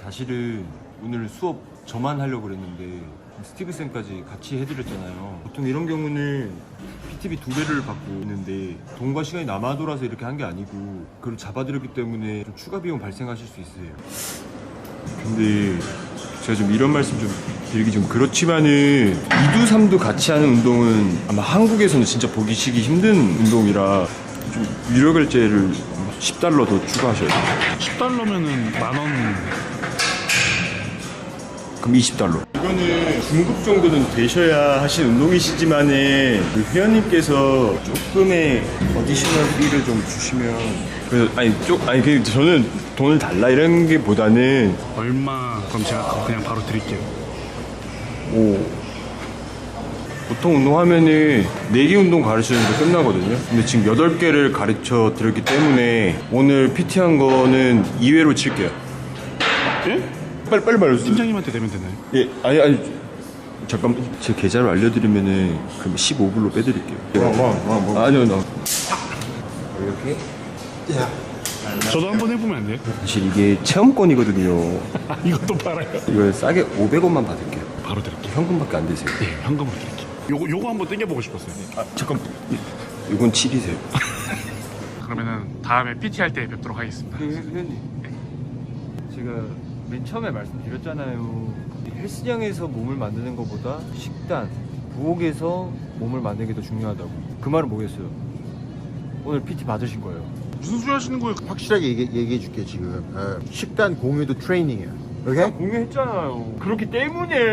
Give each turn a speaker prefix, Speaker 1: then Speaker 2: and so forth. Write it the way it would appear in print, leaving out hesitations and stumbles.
Speaker 1: 사실은 오늘 수업 저만 하려고 그랬는데 스티브 쌤까지 같이 해드렸잖아요. 보통 이런 경우는 PT비 2배를 받고 있는데 돈과 시간이 남아 돌아서 이렇게 한 게 아니고 그걸 잡아드렸기 때문에 좀 추가 비용 발생하실 수 있어요. 근데 제가 좀 이런 말씀 좀 드리기 좀 그렇지만은 2두 3두 같이 하는 운동은 아마 한국에서는 진짜 보기 힘든 운동이라 좀 유료 결제를 10달러 더 추가하셔야 돼요.
Speaker 2: 10달러면은 만원.
Speaker 1: 그럼 20달러. 이거는 중급 정도는 되셔야 하신 운동이시지만은 그 회원님께서 조금의 어디셔널 비를 좀 주시면 그 저는 돈을 달라 이런 게 보다는
Speaker 2: 얼마? 그럼 제가 그냥 바로 드릴게요.
Speaker 1: 보통 운동하면은 4개 운동 가르치는데 끝나거든요. 근데 지금 8개를 가르쳐 드렸기 때문에 오늘 PT 한 거는 2회로 칠게요.
Speaker 2: 예?
Speaker 1: 빨리 말해주세요.
Speaker 2: 팀장님한테 내면 되나요?
Speaker 1: 예, 아니 잠깐 제 계좌를 알려드리면은 그럼 15불로 빼드릴게요. 아니요, 이렇게.
Speaker 2: 저도 한번 해보면 안 돼요?
Speaker 1: 사실 이게 체험권이거든요.
Speaker 2: 이것도 팔아요?
Speaker 1: 이걸 싸게 500원만 받을게요.
Speaker 2: 바로 드릴게요.
Speaker 1: 현금밖에 안 되세요.
Speaker 2: 네, 현금으로 드릴게요. 요거 한번 땡겨보고 싶었어요.
Speaker 1: 잠깐, 이건 7이세요.
Speaker 2: 그러면은 다음에 PT 할 때 뵙도록 하겠습니다.
Speaker 1: 회원님, 제가 맨 처음에 말씀드렸잖아요. 헬스장에서 몸을 만드는 것보다 식단, 부엌에서 몸을 만드는 게 더 중요하다고. 그 말은 뭐겠어요? 오늘 PT 받으신 거예요.
Speaker 2: 무슨 소리 하시는 거예요?
Speaker 3: 확실하게 얘기해 줄게 지금. 식단 공유도 트레이닝이야. 오케이?
Speaker 1: 공유했잖아요. 그렇기 때문에